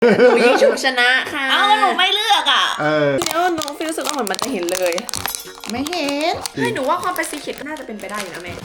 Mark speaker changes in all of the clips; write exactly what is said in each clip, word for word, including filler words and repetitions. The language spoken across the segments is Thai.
Speaker 1: หนูยิงฉุบชนะค่ะ
Speaker 2: เอ้าหนูไม่เลือกอ่ะ
Speaker 3: เออ
Speaker 1: เดี๋ยวน้องฟิลรู้สึกว่าเหมือนมันจะเห็นเลย
Speaker 2: ไม่เห็น
Speaker 1: เฮ้ยหนูว่าความเป็นซีเค็ดก็น่าจะเป็นไปได้อยู่นะแม่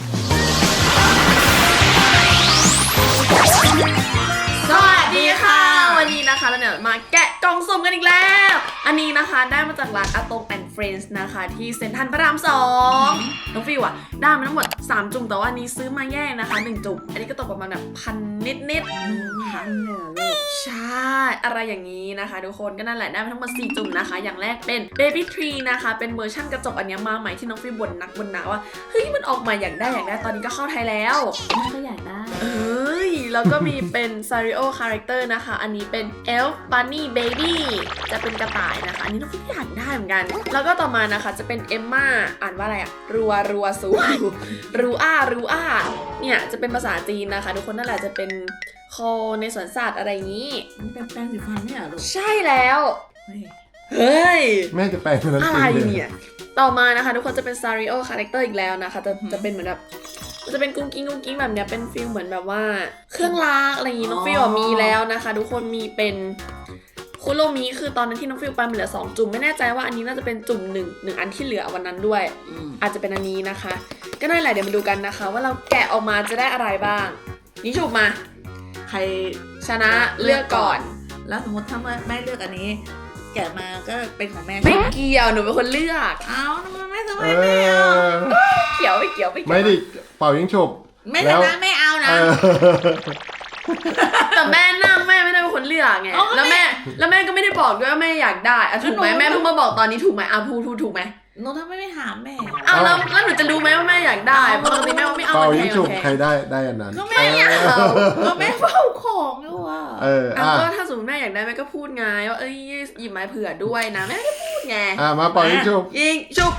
Speaker 1: สวัสดีค่ะวันนี้นะคะเราเนี่ยมาแกะกล่องสุ่มกันอีกแล้วอันนี้นะคะได้มาจากร้านอาตงแอนด์เฟรนด์นะคะที่เซ็นทรัลพระรามสองน้องฟิวอะได้มาทั้งหมดสามจุ่มแต่ว่าอันนี้ซื้อมาแยกนะคะหนึ่งจุ่มอันนี้ก็ตกประมาณแบบพันนิดนิดพันเนี่ยลูกใช่อะไรอย่างนี้นะคะทุกคนก็นั่นแหละได้มาทั้งหมดสี่จุ่มนะคะอย่างแรกเป็น Baby Tree นะคะเป็นเวอร์ชั่นกระจกอันนี้มาใหม่ที่น้องฟิวบ่นนักบ่นหนาว่าเฮ้ยมันออกมาอยากได้อยากได้ตอนนี้ก็เข้าไทยแล้วก็อยากได้เอ้ยแล้วก็มีเป็น Sario Character นะคะอันนี้เป็น Elf Bunny Baby จะเป็นกระต่ายนะคะอันนี้น้องฟิวอยากได้เหมือนกันแล้วก็ต่อมานะคะจะเป็น Emma อ่านว่าอะไรอะรัวรัวซูรูอารูอาเนี่ยจะเป็นภาษาจีนนะคะทุกคนนั่นแหละจะเป็นโคในสวนสัตว์อะไรอย่างนี้
Speaker 2: มันเป็นแป้งสีฟันเนี่ยลูก
Speaker 1: ใช่แล้ว
Speaker 2: เฮ้ย
Speaker 1: เฮ้ย
Speaker 3: แม่จะแปลงเป็นนั้น
Speaker 1: อะไร
Speaker 3: จริงเลย
Speaker 1: เนี่ยต่อมานะคะทุกคนจะเป็น Sario Character อีกแล้วนะคะจะจะเป็นเหมือนแบบจะเป็นกุ้งกิ้งกุ้งกิ้งแบบเนี้ยเป็นฟิลเหมือนแบบว่าเครื่องรางอะไรอย่างงี้น้องฟิลมีแล้วนะคะทุกคนมีเป็นคุโรมิคือตอนนั้นที่น้องฟิลไปมันเหลือสองจุ่มไม่แน่ใจว่าอันนี้น่าจะเป็นจุ่มหนึ่งหนึ่งอันที่เหลือวันนั้นด้วยอาจจะเป็นอันนี้นะคะก็นั่นแหละเดี๋ยวมาดูกันนะคะว่าเราแกะออกมาจะได้อะไรบ้างนี่ฉุบมาใครชนะเลือกก่อน
Speaker 2: แล้วสมมติถ้าแม่เลือกอันนี้ แกะมาก็เป็นของแม่
Speaker 1: ไม่เกี่ยวหนูเป็นคนเลือก
Speaker 2: เอ้าทำไมไม่ทำไม
Speaker 3: เอ
Speaker 2: ไม่เอา
Speaker 3: อ
Speaker 1: เกี่ยวไม่เกี่ยวไม่เกี่ยว
Speaker 3: ไม่ดิเป่ายิงฉุบ
Speaker 2: ไม่
Speaker 3: แล้ว
Speaker 2: ชนะไม่เอานะ
Speaker 3: เออ
Speaker 1: แต่แม่นั่งแม่ไม่ได้เป็นคนเลือกไง
Speaker 2: อ๋อ
Speaker 1: แล้วแม่แล้วแม่ก็ไม่ได้บอกด้วยว่าแม่อยากได้อะถูกไหม
Speaker 2: แล้วหนู
Speaker 1: แม่เพิ่งมาบอกตอนนี้ถูกไหมอ่ะพูดถูกถูกไหม
Speaker 2: หนูทำไมไม่ถามแม่
Speaker 1: อ้าวแล้วแล้วหนูจะรู้ไหมว่าแม่อยากได้เพราะปกติแม่ว่าไม่เอา
Speaker 3: เป่า
Speaker 1: มันแพ
Speaker 3: ยิง
Speaker 1: ง
Speaker 3: ฉุบ
Speaker 1: มันแพ
Speaker 3: ใครง ได้ได้อันนั้น
Speaker 2: ก็แม่อยากเอาก็แม่เฝ้าของอยู่อ่ะ
Speaker 3: เออ
Speaker 1: อ่ะ
Speaker 3: อ่ะ
Speaker 1: ก็ถ้าสมมติแม่อยากได้แม่ก็พูดไงว่าเอ้ยหยิบไม้เผื่อด้วยนะแม่ไม่ได้พูดไง
Speaker 3: อ่ะมาเป่ายิงฉุบ
Speaker 1: ยิงชุบ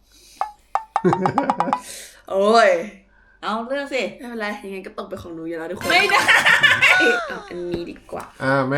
Speaker 1: โอ้ย
Speaker 2: เอาเลือกสิ
Speaker 1: ไม่เป็นไรยังไงก็ตกเป็นของหนูอยู่แล้วทุกคน
Speaker 2: ไม่ได้
Speaker 1: เอาอันนี้ดีกว่า
Speaker 3: อ่ะแม่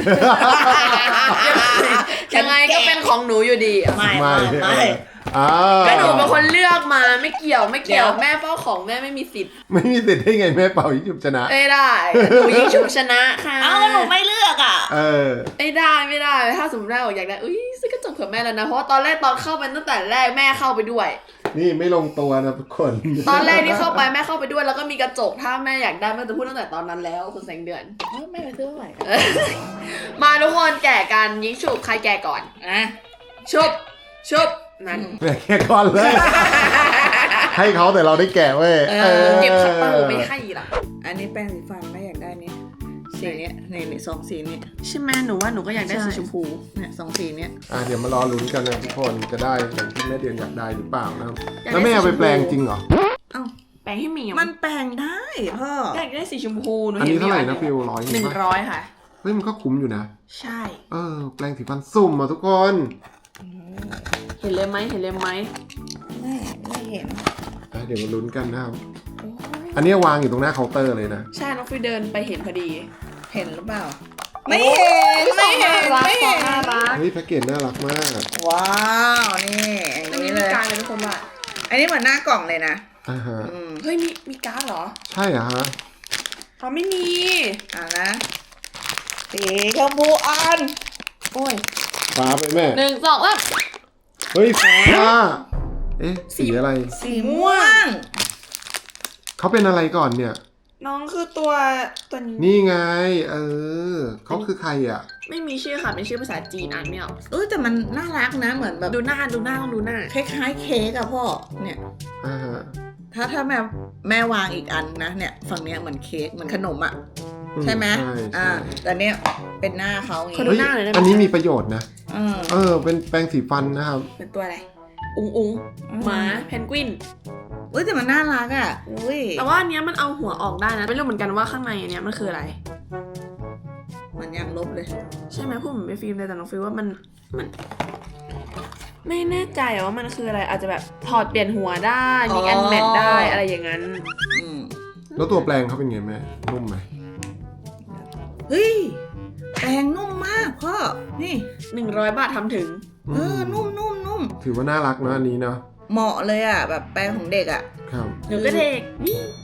Speaker 1: ยังไงก็เป็นของหนูอยู่ดีอ่ะ
Speaker 2: ไม่
Speaker 3: ไม่
Speaker 2: ไม่ไม่
Speaker 3: อ่า
Speaker 1: ก็หนูเป็นคนเลือกมาไม่เกี่ยวไม่เกี่ยว
Speaker 2: เดี๋ยว
Speaker 1: แม่เฝ้าของแม่ไม่มีสิทธิ์
Speaker 3: ไม่มีสิทธิ์ได้ไงแม่เป่ายิงฉุบชนะ
Speaker 1: ไม่ได้หนูยิงฉุบชนะค่ะ
Speaker 2: เอ้าหนูไม่เลือกอ่ะ
Speaker 3: เออ
Speaker 1: ไม่ได้ไม่ได้ถ้าสมมติแม่บอกอยากได้อุ้ยซื้อกระจกเผื่อแม่แล้วนะเพราะว่าตอนแรกตอนเข้าไปตั้งแต่แรกแม่เข้าไปด้วย
Speaker 3: นี่ไม่ลงตัวนะทุกคน
Speaker 1: ตอนแรกที่เข้าไปแม่เข้าไปด้วยแล้วก็มีกระจกถ้าแม่อยากได้แม่จะพูดตั้งแต่ตอนนั้นแล้วคุณแสงเดือน
Speaker 2: เอ้าแม่ไปซื้อใหม่กัน
Speaker 1: มาทุกคนแก่กันยิงฉุบใครแก่ก่อน
Speaker 2: อ่ะ
Speaker 1: ฉุบฉุบนั่น
Speaker 3: แม่แค่ก่อนเลย ให้เขาแต่เราได้แกะเว้ย
Speaker 2: เออ
Speaker 1: เก็บคัตเตอร์ไม่ให้ล่ะ
Speaker 2: อันนี้แป้งสีฟันแม่อยากได้นี่สีเนี้ยนี่นี่สองสีนี้
Speaker 1: ใช่ไหมหนูว่าหนูก็อยากได้
Speaker 2: ใช่
Speaker 1: สีชมพู
Speaker 2: เนี่ยสองสีเนี้ย
Speaker 3: อ่ะเดี๋ยวมารอลุ้นกันนะทุกคนจะได้อย่างที่แม่เดือนอยากได้หรือเปล่านะครับ
Speaker 1: อยากได้
Speaker 3: แล้วแม่เอาไปแปลงจริงเหรอ
Speaker 2: เอ้า
Speaker 1: แปรงให้หมี
Speaker 2: มันแปลงได้พ่อ
Speaker 1: อยากได้สีชมพูหนู
Speaker 3: อัน
Speaker 1: เห็น
Speaker 3: นี้เท่าไหร่
Speaker 1: มี
Speaker 3: นะฟิวร้อย
Speaker 1: หนึ่ง
Speaker 3: ปะ
Speaker 1: ร้อยค่ะ
Speaker 3: เฮ้ยมันก็คุ้มอยู่นะ
Speaker 1: ใช่
Speaker 3: เออแปลงสีฟันสุ่มอ่ะทุกคน
Speaker 1: เห็นเลยไหมเห็นเลยไหม
Speaker 2: ไม่ไม่เห็น
Speaker 3: อ่ะเดี๋ยวมาลุ้นกันนะครับ
Speaker 1: โอ้ย
Speaker 3: อันนี้วางอยู่ตรงหน้าเคาน์เตอร์เลยนะ
Speaker 1: ใช่น้องฟิวเดินไปเห็นพอดี
Speaker 2: เห็นหรือเปล่า ไม่เห็นไม่เห็น
Speaker 1: รัก
Speaker 2: ไม่
Speaker 1: ฟอ
Speaker 2: เห็
Speaker 1: งน่าน รัก
Speaker 3: เฮ้ยแพ็กเกจน่ารักมาก
Speaker 2: ว้าวนี่อย่าง
Speaker 1: อันนี้
Speaker 2: นี้
Speaker 1: มี
Speaker 2: เลย
Speaker 1: การดเลยทุกคนว่า
Speaker 2: อันนี้เหมือนหน้ากล่องเลยนะ
Speaker 3: อ่าฮะ
Speaker 2: อืม
Speaker 1: เฮ้ยมีมีการ์ดเหรอ
Speaker 3: ใช่เหรอฮะ
Speaker 1: อ๋อไม่มี
Speaker 2: อ่านะสีชมพูอ่อน
Speaker 1: โอ้ย
Speaker 3: ฟ้าไปแม่
Speaker 1: หนึ่งสองสาม
Speaker 3: เฮ้ยฟ้า เอ๊ะสีอะไร
Speaker 2: สีม่วง
Speaker 3: เขาเป็นอะไรก่อนเนี่ย
Speaker 1: น้องคือตัวตัวนี้
Speaker 3: นี่ไง เออเขาคือใครอ่ะ
Speaker 1: ไม่มีชื่อค่ะเป็นชื่อภาษาจีนอ่านไม่ออก
Speaker 2: เออแต่มันน่ารักนะเหมือนแบบ
Speaker 1: ดูหน้าดูหน้าต้องดูหน้า
Speaker 2: คล้ายๆเค้กอะพ่อเนี่ย
Speaker 3: อ่าฮะ
Speaker 2: ถ้าถ้าแม่แม่วางอีกอันนะเนี่ยฝั่งเนี้ยเหมือนเค้กเหมือนขนมอะ
Speaker 3: อื
Speaker 2: ใช่ไหม
Speaker 3: ใช่
Speaker 2: อ่า
Speaker 3: ใช่
Speaker 2: แต่เนี้ยเป็นหน้าเขาอย่าง
Speaker 1: ขอดู
Speaker 2: งี้
Speaker 1: หน้าหน่อยได้ไหม
Speaker 3: อันนี้มีประโยชน์นะ
Speaker 2: เออ
Speaker 3: เออ เป็นแปรงสีฟันนะครับ
Speaker 1: เป็นตัวอะไร อุงอุง
Speaker 2: อืม
Speaker 1: หมาเพนกวิน
Speaker 2: อุ้ยแต่มันน่ารักอะอุ้ย
Speaker 1: แต่ว่าอันเนี้ยมันเอาหัวออกได้นะไม่รู้เหมือนกันว่าข้างในอันเนี้ยมันคืออะไร
Speaker 2: มันยังลบเลย
Speaker 1: ใช่ไหมพูดเหมือนไม่ฟิล์มเลยแต่น้องฟิลว่ามันมัน ไม่แน่ใจว่ามันคืออะไรอาจจะแบบถอดเปลี่ยนหัวได้มีแอนแมทได้อะไรอย่างนั้น
Speaker 2: อืม
Speaker 3: แล้วตัวแปลงเขาเป็นไงแม่ นุ่มไหม
Speaker 2: เฮ้ยแปรงนุ่มมากพ่อนี่
Speaker 1: หนึ่งร้อยบาททำถึง
Speaker 2: เออนุ่มนุ่มนุ่ม
Speaker 3: ถือว่าน่ารักนะอันนี้เนาะ
Speaker 2: เหมาะเลยอะแบบแปรงของเด็กอะ
Speaker 3: ครับ
Speaker 1: หนูก็เด็กนี่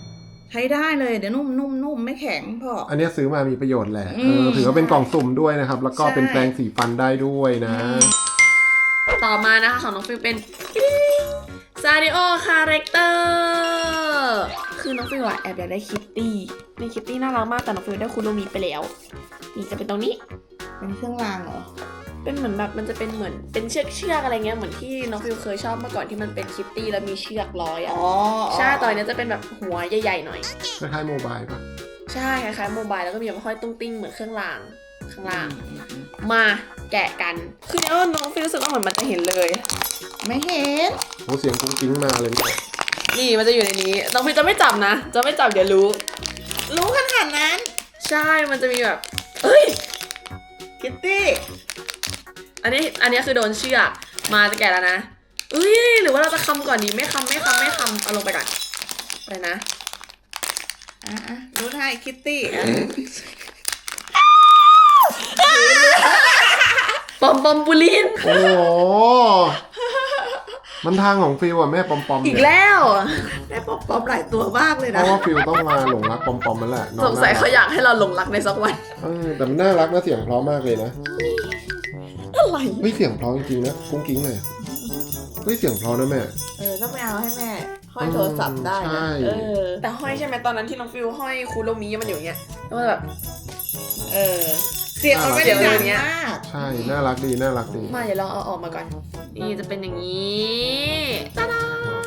Speaker 2: ใช้ได้เลยเดี๋ยวนุ่มนุ่มนุ่มไม่แข็งพ่อ
Speaker 3: อันเนี้ยซื้อมามีประโยชน์แหละ
Speaker 2: อื
Speaker 3: เอ
Speaker 2: ม
Speaker 3: อถือว่าเป็นกล่องสุ่มด้วยนะครับ แล้วก็
Speaker 2: ใช่
Speaker 3: เป็นแปรงสีฟันได้ด้วยนะ
Speaker 1: ต่อมานะคะของน้องฟิวเป็นซาริโอคาแรคเตอร์คือน้องฟิวอะแอบอยากได้คิตตี้ในคิตตี้น่ารักมากแต่น้องฟิวได้คุโรมิไปแล้วนี่จะเป็นตรงนี้
Speaker 2: เป็นเครื่องรางเหรอ
Speaker 1: เป็นเหมือนแบบมันจะเป็นเหมือนเป็นเชือกเชือกอะไรเงี้ยเหมือนที่น้องฟิวเคยชอบเมื่อก่อนที่มันเป็นคิตตี้แล้วมีเชือกร้อยอ่ะ
Speaker 2: อ๋อ
Speaker 1: ใช่ตอนนี้จะเป็นแบบหัวใหญ่ๆหน่อย
Speaker 3: คล้ายๆโมบายปะ
Speaker 1: ใช่คล้ายๆโมบายแล้วก็มีแบบห้อยตุ้งติ้งเหมือนเครื่องรางข้างล่าง มาแกะกันคือเนี่ยน้องฟิวรู้สึกว่าเหมือนมันจะเห็นเลย
Speaker 2: ไม่เห็น
Speaker 3: โหเสียงกุ้งกิ้งมาเลยเนี่ย
Speaker 1: นี่มันจะอยู่ในนี้น้องฟิวจะไม่จับนะจะไม่จับเดี๋ยวรู้
Speaker 2: รู้ขนาดนั้น
Speaker 1: ใช่มันจะมีแบบเอ้ย
Speaker 2: คิตตี้
Speaker 1: อันนี้อันนี้คือโดนเชือกมาจะแกะแล้วนะเอ้ยหรือว่าเราจะคำก่อนดีไม่คำไม่คำไม่คำเอาลงไปก่อนไปนะ
Speaker 2: อ่ะอ่ะรู้ได้คิตตี้อ่ะ
Speaker 1: ปอมปอมปูลิน
Speaker 3: โอ้โหมันทางของฟิลอะแม่ปอมปอม
Speaker 1: อี
Speaker 3: เนี่
Speaker 1: ก
Speaker 3: ย
Speaker 1: แล้ว
Speaker 2: ได้ปอบปอบหลายตัวมากเลย
Speaker 3: เพ
Speaker 2: นะ
Speaker 3: ราะว่าฟิลต้องมาหลงรักปอมปอมมันแหละน้อ
Speaker 1: สงสัย
Speaker 3: น่รัก
Speaker 1: เขาอยากให้เราหลงรักในสักวัน
Speaker 3: เออแต่มันน่ารักนะเสียงเพราะมากเลยนะ
Speaker 1: อะไร
Speaker 3: เฮ้ยเสียงเพราะจริงๆนะกุ้งกิ้งเลยเฮ้ยเสียงเพราะนะแม่
Speaker 2: เออต้องไปเอาให้แม่ห้อยโทรศัพท์ได้
Speaker 3: ใช่
Speaker 2: นะเออ
Speaker 1: แต่ห้อยใช่ไหมตอนนั้นที่น้องฟิวห้อยคูโรมิมันอยู่อย่างเงี้ยแล้วมันแบบ
Speaker 2: เออ เสียงมันไม่ได้ดังมาก
Speaker 3: ใช่น่ารักดีน่ารักดี
Speaker 1: มาเดี๋ยวลองเอาออกมาก่อนนี่จะเป็นอย่างนี้ตาดา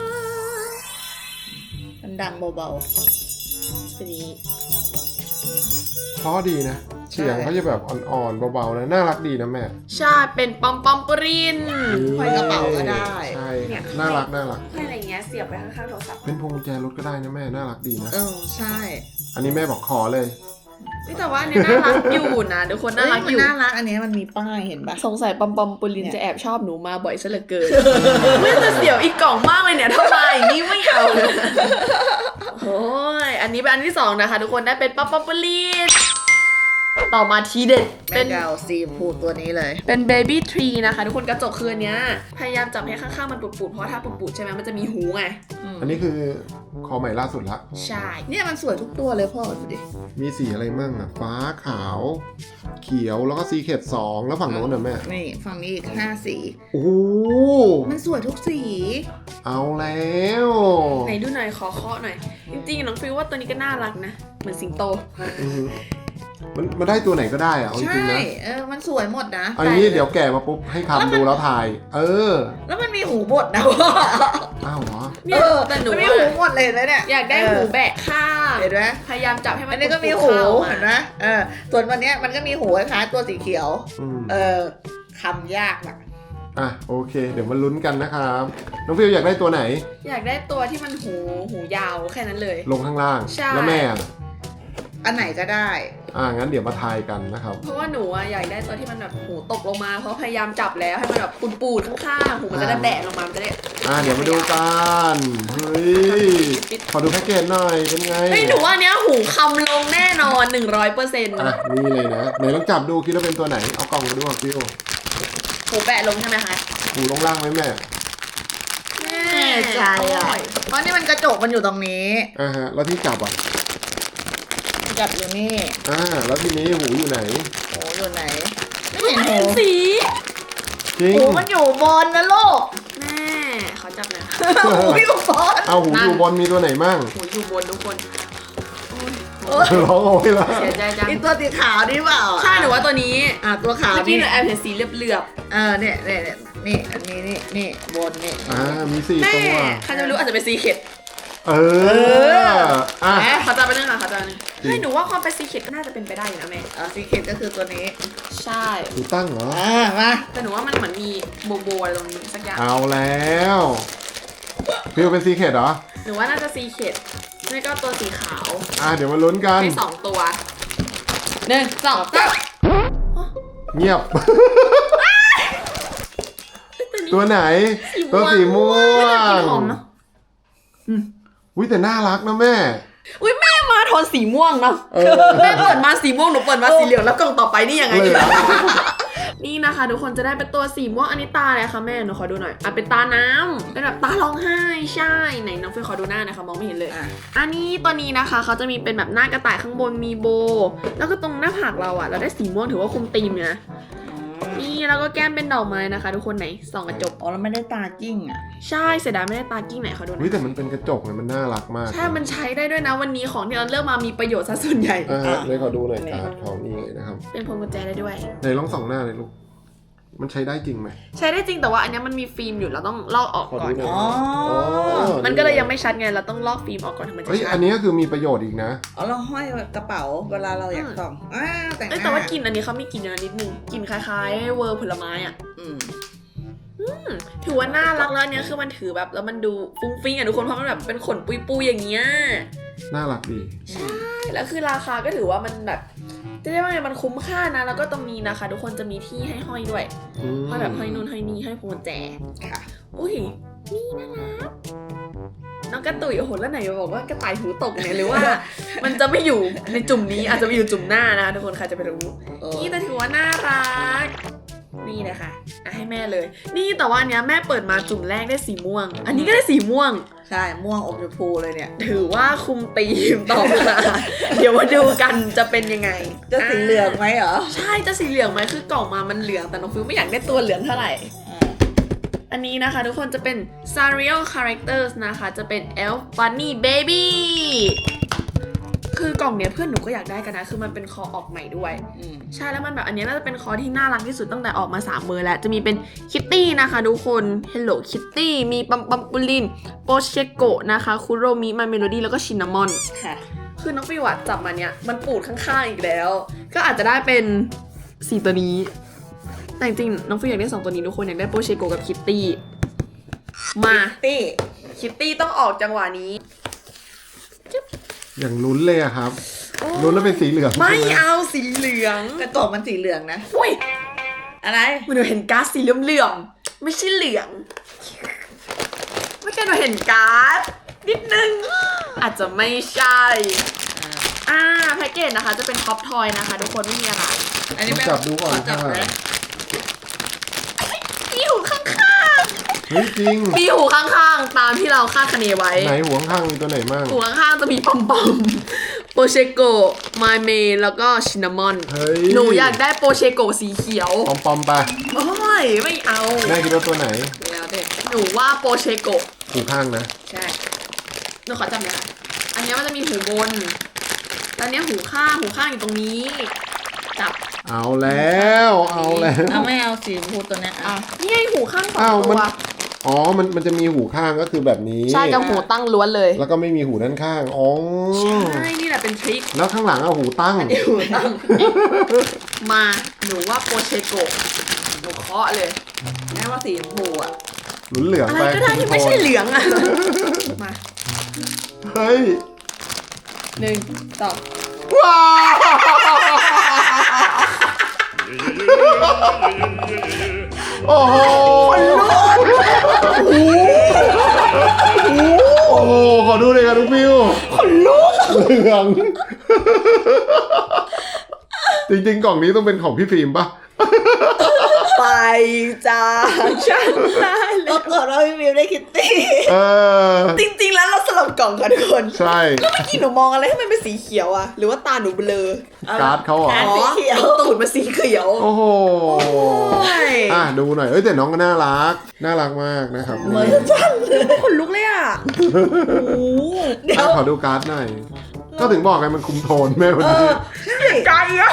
Speaker 2: มันดังเบา
Speaker 1: เป็นอย่างนี้
Speaker 3: เพราะดีนะ เสียงเขาจะแบบอ่อนๆเบาๆนะน่ารักดีนะแม่
Speaker 1: ใช่เป็นปอมปอมปูริน
Speaker 2: ๆห้อยกระเป๋าก็ได้
Speaker 3: ใช่น่ารักน่ารัก
Speaker 1: ห้อยอะไรเงี้ยเสียบไปข้างๆโทรศัพท์
Speaker 3: เป็นพวงกุญแจรถก็ได้นะแม่น่ารักดีนะ
Speaker 2: เออใช่
Speaker 3: อันนี้แม่บอกขอเลย
Speaker 1: นี่แต่ว่าอันเนี้ยน่ารักอยู่นะทุกคนน่ารัก
Speaker 2: เฮ้ย
Speaker 1: อยู่
Speaker 2: มันน่ารักอันนี้มันมีป้ายเห็นปะ
Speaker 1: สงสัยปอมปอมปูลิน
Speaker 2: เนี่ย
Speaker 1: จะแอบชอบหนูมาบ่อยซะเหลือเกิน ไม่แต่เสียวอีกกล่องมากเลยเนี่ยทำไมนี่ไม่เอาโอ้ยอันนี้เป็นอันที่สองนะคะ ทุกคนได้เป็นปอมปอมปูลินต่อมาทีเด็ด
Speaker 2: เป็
Speaker 1: เป็น น
Speaker 2: เกาซีพูดตัวนี้เลย
Speaker 1: เป็นเบบี้ทรีนะคะ ทุกคนกระจกคืนเนี้ย พยายามจับให้ข้างๆมันปุดๆเพราะว่าถ้าปุดๆใช่ไหมมันจะมีหูไง
Speaker 3: อันนี้คือคอใหม่ล่าสุดละ
Speaker 1: ใช่
Speaker 2: เนี่ยมันสวยทุกตัวเลยพ่อดูดิ
Speaker 3: มีสีอะไรมั่งอ่ะฟ้าขาว เขียวแล้วก็ซีเคดสองแล้วฝั่งโน้นน่ะแม่
Speaker 2: นี่ฝั่งนี้อีกห้าสี
Speaker 3: โอ้โห
Speaker 2: มันสวยทุกสี
Speaker 3: เอาแล้ว
Speaker 1: ไหนดูหน่อยขอเคาะหน่อย จริงๆน้องฟิลว่าตัวนี้ก็น่ารักนะ เหมือนสิงโต
Speaker 3: อือฮึมันมันได้ตัวไหนก็ได้อะเอาจ
Speaker 2: ใช่
Speaker 3: ริงๆนะ
Speaker 2: เออมันสวยหมดนะ
Speaker 3: เอาอย่างนี้เดี๋ยวแกะมาปุ๊บให้คำดูแล้วถ่าย เออ
Speaker 2: แล้วมันมีหูบดนะพ่อ
Speaker 3: อ้าวเหรอ
Speaker 1: เนี่ย
Speaker 2: เออ
Speaker 1: แต่หนู
Speaker 2: มันมี
Speaker 1: อะ
Speaker 2: หูหมดเลยนะเนี่ย
Speaker 1: อยากได้หูแบะข้าง
Speaker 2: เห็นไหม
Speaker 1: พยายามจับให้มัน
Speaker 2: อันนี้ก็มี
Speaker 1: ปุดๆ
Speaker 2: หู
Speaker 1: ข้ามา
Speaker 2: เห็นไหมเออส่วนวันเนี้ยมันก็มีหูคล้ายๆตัวสีเขียว
Speaker 3: อืม
Speaker 2: เออคำยากนะ
Speaker 3: อ่ะโอเค เดี๋ยวมาลุ้นกันนะครับ น้องฟิวอยากได้ตัวไหน
Speaker 1: อยากได้ตัวที่มันหูหูยาวแค่นั้นเลย
Speaker 3: ลงข้างล่าง
Speaker 1: ใช่
Speaker 3: แล้วแม่อะ
Speaker 2: อันไหนก็ได้
Speaker 3: อ่างั้นเดี๋ยวมาทายกันนะครับ
Speaker 1: เพราะว่าหนูอะอยากได้ตัวที่มันแบบหูตกลงมา เพราะพยายามจับแล้วให้มันแบบปูดๆข้างๆหูมันจะได้แบะลงมามันจะได้
Speaker 3: อ่าเดี๋ยวมาดูกันเฮ้ยขอดูแพ็กเกจหน่อยเป็นไง
Speaker 1: เฮ้ยหนูว่าเนี้ยหูคำลงแน่นอน หนึ่งร้อยเปอร์เซ็นต์
Speaker 3: อ่ะนี่เลยนะไหนลองจับดูคิดว่าเป็นตัวไหนเอากล่องมาดูอ่ะฟิว
Speaker 1: หูแบะลงใช่ไหมคะ
Speaker 3: หูลงล่างไหมแม่
Speaker 1: แน่
Speaker 2: แน่ใจอ่ะเพราะนี่มันกระจกมันอยู่ตรงนี้
Speaker 3: อ่าฮะแล้วที่จับอ่ะ
Speaker 2: จับอยู่นี่
Speaker 3: อ่าแล้วทีนี้หูอยู่ไหน
Speaker 2: โอ้อยู่ไหน ไม่
Speaker 1: ไม่
Speaker 2: เห็น
Speaker 1: เห็
Speaker 2: หู
Speaker 1: นสี
Speaker 3: จริง
Speaker 2: หูมันอยู่บนนะลูก
Speaker 1: แม่ขอจับหน่อย
Speaker 2: หูอยู่บน
Speaker 3: เอาหูอยู่บนมีตัวไหนมั่ง
Speaker 1: หูอยู่บนทุกคน
Speaker 3: ร้องโอ้ยแล้ว
Speaker 1: เสียใจจัง
Speaker 2: อีตัวสีขาวนี่เปล่า
Speaker 1: ใช่หนูว่าตัวนี้
Speaker 2: อ่ะตัวขาว
Speaker 1: เมื่อกี้
Speaker 2: นี่
Speaker 1: หนูแอบเห็นสีเหลือบ
Speaker 2: เออเนี่ยเนี่ยเนี่ยนี่อันนี้นี่นี่บนนี่
Speaker 3: อ่ามีสี่
Speaker 1: ๆแม่
Speaker 3: ตัว
Speaker 1: ใครจะไม่รู้อาจจะเป็นซีเค็ด
Speaker 3: เอออ่ะ
Speaker 1: แหมขอจับไปนึงค่ะขอจับไปนึง
Speaker 3: จริง
Speaker 1: เฮ้ยหนูว่าความเป็นซีเค็ดก็น่าจะเป็นไปได้อยู่นะแม่
Speaker 2: อ่ะสีเขตก็คือตัวนี้
Speaker 1: ใช่
Speaker 3: หูตั้งเหรอ
Speaker 2: อ่ามา
Speaker 1: แต่หนูว่ามันเหมือนมีโบโบอะไรตรงนี้สักอย่าง
Speaker 3: เอาแล้วฟิวเป็นซีเคดเหรอ
Speaker 1: หนูว่าน่าจะซีเค็ดไม่ก็ตัวสีขาว
Speaker 3: อ่ะเดี๋ยวมาลุ้นกัน
Speaker 1: มีสองตัวหนึ่งสองสาม
Speaker 3: เงียบ
Speaker 1: ตัวนี้
Speaker 3: ตัวไหน ตัวสีม่ว
Speaker 1: ไม่น่ากิน
Speaker 3: ง
Speaker 1: หอมเนอะ
Speaker 3: อุ้ยแต่น่ารักนะแม่
Speaker 1: อุ้ยแม่มาโทนสีม่วงเนาะ
Speaker 3: เออ
Speaker 1: แม่เปิดมาสีม่วงหนูเปิดมาสีเหลืองแล้วกล่องต่อไปนี่ยังไง
Speaker 3: เลย
Speaker 1: ดี
Speaker 3: เหรอ
Speaker 1: นี่นะคะทุกคนจะได้เป็นตัวสีม่วงอันนี้ตาอะไรคะแม่หนูขอดูหน่อยอ่ะเป็นตาน้ำเป็นแบบตาร้องไห้ใช่ไหนน้องฟิวขอดูหน้าหนะคะมองไม่เห็นเลย
Speaker 2: อ่ะ
Speaker 1: อันนี้ตัวนี้นะคะเขาจะมีเป็นแบบหน้ากระต่ายข้างบนมีโบ แล้วก็ตรงหน้าผากเราอะเราได้สีม่วงถือว่าคุมธีมอยู่นะนี่แล้วก็แก้มเป็นดอกไม้นะคะ ทุกคนไหนส่องกระจก
Speaker 2: อ๋อแล้วไม่ได้ตาจิ้งอ่ะ
Speaker 1: ใช่เสียดายไม่ได้ตากิ้งไหนเขาดูหน่
Speaker 3: เฮ้
Speaker 1: อย ย
Speaker 3: แต่มันเป็นกระจกเลยมันน่ารักมาก
Speaker 1: ใช่มันใช้ได้ด้วยนะวันนี้ของที่เราเลือกมามีประโยชน์ซะส่วนใหญ่
Speaker 3: อ่า
Speaker 2: อ่ะ
Speaker 3: เลยขอดูหน่อยการ์ดของนี่เลยนะครับ
Speaker 1: เป็นพวงกุญแจได้ด้วย
Speaker 3: ไหนลองส่องหน้าเลยลูกมันใช้ได้จริงไหม
Speaker 1: ใช้ได้จริงแต่ว่าอันเนี้ยมันมีฟิล์มอยู่เราต้องลอกออก
Speaker 3: ขอ
Speaker 1: ก่อ
Speaker 3: ดู
Speaker 1: น
Speaker 3: หน่อย
Speaker 2: อ๋อ
Speaker 3: อ๋อ
Speaker 1: มันก็เลยยังไม่ชัดไงเราต้องลอกฟิล์มออกก่อนถึงมันจะ
Speaker 3: เฮ้ย
Speaker 1: ชั
Speaker 3: อั
Speaker 1: ด
Speaker 3: นนี้ก็คือมีประโยชน์อีกนะ
Speaker 2: อ๋อเราห้อยกระเป๋าเวลาเราอยากส่องอ้าวแต่งห
Speaker 1: เอ้ย
Speaker 2: น้า
Speaker 1: แต่ว่ากลิ่นอันนี้เขามีกลิ่นอยู่นะนิดนึงกลิ่นคล้ายๆเวอร์ผลไม้อะ
Speaker 2: อืม
Speaker 1: ถือว่าน่ารักแล้วอันเนี้ยคือมันถือแบบแล้วมันดูฟุ้งฟิ้งอ่ะทุกคนเพราะมันแบบเป็นขนปุยๆอย่างเงี้ย
Speaker 3: น่ารักดี
Speaker 1: ใช่แล้วคือราคาก็ถือว่ามันแบบจะเรียกว่าไงมันคุ้มค่านะแล้วก็ตรงนี้นะคะ ทุกคนจะมีที่ให้ห้อยด้วย
Speaker 3: อืม
Speaker 1: ห้อยแบบห้อยนู่นห้อยนี่ห้อยพวงกุญแจ
Speaker 2: ค่ะ
Speaker 1: อุ้ยนี่น่ารักน้องกระตุยโอ้โหแล้วไหนบอกว่ากระต่ายหูตกเนี่ยหรือว่า มันจะไม่อยู่ในจุ่มนี้อาจจะไปอยู่จุ่มหน้านะทุกคนใครจะไปรู้
Speaker 2: เออ
Speaker 1: นี่แต่ถือว่าน่ารักนี่นะคะอ่ะให้แม่เลย นี่แต่ว่าอันเนี้ยแม่เปิดมาจุ่มแรกได้สีม่วง อันนี้ก็ได้สีม่วง
Speaker 2: ใช่ม่วงอมชมพูเลยเนี่ย
Speaker 1: ถือว่าคุมธีมต่อมา เดี๋ยวมาดูกันจะเป็นยังไง
Speaker 2: จะสีเหลืองไหมเหรอ
Speaker 1: ใช่จะสีเหลืองไหมคือกล่องมามันเหลืองแต่น้องฟิวไม่อยากได้ตัวเหลืองเท่าไหร่ อันนี้นะคะทุกคนจะเป็น Sariel Characters นะคะจะเป็น Elf Bunny Baby คือกล่องเนี้ยเพื่อนหนูก็อยากได้กันนะคือมันเป็นคอออกใหม่ด้วย
Speaker 2: อืม
Speaker 1: ใช่แล้วมันแบบอันเนี้ยน่าจะเป็นคอที่น่ารักที่สุดตั้งแต่ออกมาสามเบอร์แล้วจะมีเป็นคิตตี้นะคะทุกคน Hello Kitty มีปัมปัมปุลินโปเชโกะนะคะคุโรมิมาเมโลดี้แล้วก็ชินนามอน
Speaker 2: ค่ะ
Speaker 1: คือน้องฟิวอะจับมาเนี้ยมันปูดข้างๆอีกแล้ว ก็อาจจะได้เป็นสี่ตัวนี้ แต่จริงๆน้องฟิวอยากได้สองตัวนี้ทุกคนอยากได้โปเชโกะกับคิตตี้มา
Speaker 2: ตี้
Speaker 1: คิตตี้ต้องออกจังหวะนี้
Speaker 3: อย่างลุ้นเลยอะครับลุ้นแล้วเป็นสีเหลือง
Speaker 1: ไม่
Speaker 3: ใช่ห
Speaker 1: เอาสีเหลือง
Speaker 2: กระจกมันสีเหลืองนะ
Speaker 1: อุ้ย
Speaker 2: อะไร
Speaker 1: มันหนูเห็นการ์ดสีเหลื่อมๆไม่ใช่เหลืองไม่ใช่หนูเห็นการ์ดนิดนึง อาจจะไม่ใช่อ่าแพ็กเกจนะคะจะเป็นท็อปทอยนะคะทุกคนไม่มีอะไร
Speaker 2: อันนี้
Speaker 3: ต้อง
Speaker 2: แม่
Speaker 3: จับดูก่อน
Speaker 2: ขจับ
Speaker 3: ค่ะ
Speaker 2: นะ
Speaker 1: มีหูข้าง
Speaker 3: เฮ้ยจริง
Speaker 1: ๆมีหูข้างๆตามที่เราคาดคะเนไว้
Speaker 3: ไหนหัวข้างๆมีตัวไหนมั่ง
Speaker 1: หูข้างๆจะมีปอมปอมโปเชโกะมาเมแล้วก็ชินนามอน
Speaker 3: เฮ้ย
Speaker 1: หนูอยากได้โปเชโกะสีเขียว
Speaker 3: ปอมปอมๆไป
Speaker 1: โอ้ยไม่เอา
Speaker 3: แม่คิดว่าตัวไหน
Speaker 2: แล้วเด็ก
Speaker 1: หนูว่าโปเชโกะ
Speaker 3: หูข้างนะ
Speaker 2: ใช่
Speaker 1: หนูขอจำเลยค่ะ อันนี้มันจะมีหูบนแล้วเนี้ยหูข้าง หูข้างอยู่ตรงนี้ จับ
Speaker 3: เอาแล้วเอาแล้ว
Speaker 2: เอาไม่เอาสีชมพูตัวเนี้ย
Speaker 1: อ่ะ
Speaker 2: อ่ะ
Speaker 1: นี่ไงหูข้างสอง
Speaker 3: อ้าว
Speaker 1: ตั
Speaker 3: มัน
Speaker 1: ว
Speaker 3: อ๋อมันมันจะมีหูข้างก็คือแบบนี้
Speaker 1: ใช่กับหูตั้งล้วนเลย
Speaker 3: แล้วก็ไม่มีหูด้านข้างอ๋อ
Speaker 1: ใช่ นี่แหละเป็นทริค
Speaker 3: แล้วข้างหลังเอาหูตั้ง
Speaker 1: หูตั้ง มา หนูว่าโปเชโกะหนูเคาะเลย
Speaker 2: แม่ว่าสีชมพูอ่ะ
Speaker 3: หลุนเหลือง
Speaker 1: อะไร
Speaker 3: ไป
Speaker 1: ก็ได้ที่ไม่ใช่เหลืองอ่ะ มา
Speaker 3: เฮ้ย
Speaker 1: หนึ่งสอง
Speaker 3: ว้าวโอ้โหโอ้โหขอดูเลยครับทุกฟิวคนลุกเหลือง จริงๆกล่องนี้ต้องเป็นของพี่ฟิล์มปะ
Speaker 1: ไปจ้าฉันได้เล
Speaker 2: ก็
Speaker 1: ย
Speaker 2: เกิดว่าพี่วิวได้คิตตี้
Speaker 3: เออ
Speaker 1: จริงๆแล้วเราสลับกล่องค่ะทุกคน
Speaker 3: ใช่
Speaker 1: เมื่อกี้หนูมองอะไรให้มันเป็นสีเขียวอะหรือว่าตาหนูเบลอ
Speaker 3: การ์ดเขาเหรอ
Speaker 2: การ์ดสีเขียว
Speaker 1: ตูดมาสีเขียว
Speaker 3: โอ้โห
Speaker 1: โอ้ย
Speaker 3: อ่ะดูหน่อย เอ้ยแต่น้องก็น่ารัก น่ารักมากนะครับ
Speaker 2: เหมือน
Speaker 1: ขนลุกเลยอะโอ้โห
Speaker 2: เดี๋ยว
Speaker 3: อ่ะขอดูการ์ดหน่อย ก็ถึงบอกไงมันคุมโทนแม่วัน
Speaker 2: เอ
Speaker 3: นี้
Speaker 2: อใช่
Speaker 1: ไกลอะ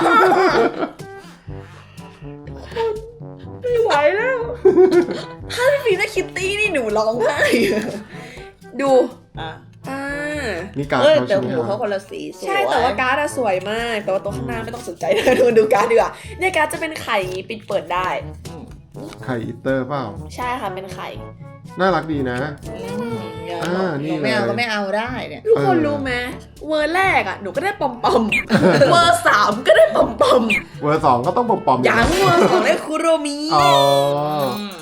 Speaker 1: ไม่ไหวแล้ว ถ้าพี่ฟีได้คิตตี้นี่หนูร้องไห้ดู
Speaker 2: อ่ะ
Speaker 1: อ่า
Speaker 3: นี่การ์ด
Speaker 2: เอ้ย
Speaker 3: เขา
Speaker 2: แต่
Speaker 3: ใช่ไหม
Speaker 2: หู
Speaker 3: ค
Speaker 2: เขา
Speaker 3: รับ
Speaker 2: คนละสีสวย
Speaker 1: ใช่แต่ว่าการ์ดอะสวยมาก แต่ว่าตัวข้างหน้าไม่ต้องสนใจนะดูดูการ์ดดีกว่าเนี่ยการ์ดจะเป็นไข่ปิดเปิดได้
Speaker 2: อืม
Speaker 3: ไข่อิตเตอร์เปล่า
Speaker 1: ใช่ค่ะเป็นไข่
Speaker 3: น่ารักดีนะ
Speaker 2: อย่า
Speaker 3: อ่านี่
Speaker 2: หไม่เอา
Speaker 3: เลย
Speaker 2: ก็ไม่เอาได้เนี่ย
Speaker 1: ทุกคน
Speaker 3: เออ
Speaker 1: รู้ไหมเวอร์แรกอะหนูก็ได้ปอมปอมเวอร์สามก็ได้ปอมปอม
Speaker 3: เวอร์สองก็ต้องปอมๆ
Speaker 1: ยังเวอร์สองได้คุโรมิ
Speaker 3: อ๋อ
Speaker 2: อืม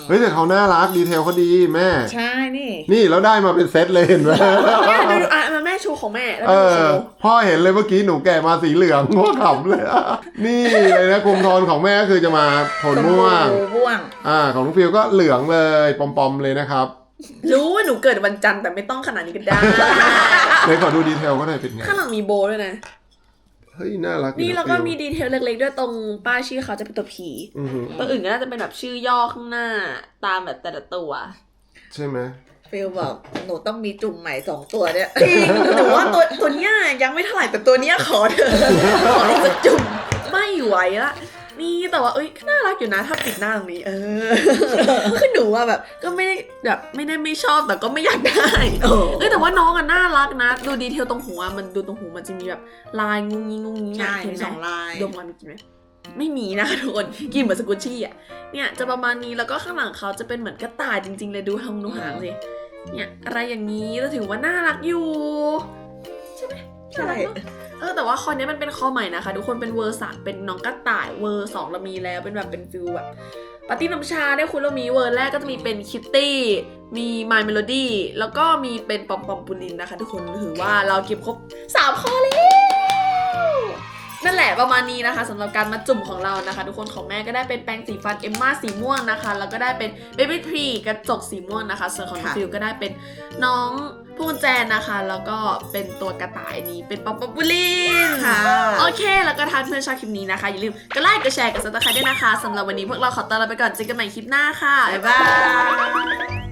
Speaker 3: เฮ้ยแต่เขาน่ารักดีเทลเขาดีแม่
Speaker 2: ใช่นี่
Speaker 3: นี่แล้วได้มาเป็นเซตเลยเห็นไหม
Speaker 1: เนี่ยดูดูอ่ะมาแม่ชูของแม่แล้ว
Speaker 3: เอ
Speaker 1: ดู
Speaker 3: อ
Speaker 1: โชว์
Speaker 3: พ่อเห็นเลยเมื่อกี้หนูแก่มาสีเหลืองพ่อขำเลยอะนี่เลยนะคุมโทนของแม่ก็คือจะมาโทนม่วง
Speaker 2: ชมพูม่วง
Speaker 3: อ่าของน้องฟิวก็เหลืองเลยปอมๆเลยนะครับ
Speaker 1: รู้ว่าหนูเกิดวันจันทร์แต่ไม่ต้องขนาดนี้ก็ได้
Speaker 3: เลยขอดูดีเทลก็ได้เป็นไง
Speaker 1: ข้างหลังมีโบด้วยนะ
Speaker 3: เฮ้ยน่ารักดี
Speaker 1: นี่
Speaker 3: นะ
Speaker 1: แล้วก็
Speaker 3: ฟิ
Speaker 1: มีดีเทลเล็กๆด้วยตรงป้ายชื่อเขาจะเป็นตัวผี
Speaker 3: อือหือ
Speaker 1: ตัวอื่นก็น่าจะเป็นแบบชื่อย่อข้างหน้าตามแบบแต่ละตัว
Speaker 3: ใช่ไหม
Speaker 2: ฟิลบอกหนูต้องมีจุ่มใหม่สองตัวเนี่ย
Speaker 1: จริงหนูว่าตัวตัวเนี้ยยังไม่เท่าไหร่แต่ตัวเนี้ยขอเถอะขอให้จะจุ่มไม่ไหวละนี่แต่ว่าเอ้ยน่ารักอยู่นะถ้าปิดหน้าตรงนี้ เออคือหนูว่าแบบก็ไม่ได้แบบไม่ได้ไม่ชอบแต่ก็ไม่อยากได้
Speaker 2: โอ้
Speaker 1: เอ้ยแต่ว่าน้องอะน่ารักนะ ดูดีเทลตรงหัวมันดูตรงหูมันจะมีแบบลายงุ้งงิ้งงุ้งงิ้ง
Speaker 2: ใช่
Speaker 1: อะเห็น
Speaker 2: มี
Speaker 1: ไห
Speaker 2: สองลาย
Speaker 1: ดมมันมีกินไหมไม่มีนะคะทุกคนกินเหมือนสกุชชี่อะเนี่ยจะประมาณนี้แล้วก็ข้างหลังเขาจะเป็นเหมือนกระต่ายจริงๆเลยดูหางดูหางสิเนี่ยอะไรอย่างนี้เราถือว่าน่ารักอยู่
Speaker 2: ใช่
Speaker 1: น่ารักเนอะ เออแต่ว่าคอนี้มันเป็นคอใหม่นะคะทุกคนเป็นเวอร์สามเป็นน้องกระต่ายเวอร์สองเรามีแล้วเป็นแบบเป็นฟิลแบบปาร์ตี้น้ำชาได้คุณเรามีเวอร์แรกก็จะมีเป็นคิตตี้มีมายเมโลดี้แล้วก็มีเป็นปอมปอมปูลินนะคะทุกคนถือว่าเราเก็บครบสามข้อแล้วนั่นแหละประมาณนี้นะคะสำหรับการมาจุ่มของเรานะคะ ทุกคนของแม่ก็ได้เป็นแปรงสีฟันเอมม่าสีม่วงนะคะแล้วก็ได้เป็นเบบี้ทรีกระจกสีม่วงนะคะส่วนของน้องฟิลก็ได้เป็นน้องพูนแจนนะคะ แล้วก็เป็นตัวกระต่ายนี้เป็นปอมปอมปูลิน
Speaker 2: ค่ะ
Speaker 1: โอเค แล้วก็ถ้าเพื่อนชอบคลิปนี้นะคะ อย่าลืมกดไลค์ กดแชร์ กดซับสไครต์ด้วยนะคะ สำหรับวันนี้พวกเราขอตัวลาไปก่อน เจอกันใหม่คลิปหน้าค่ะ บ๊ายบาย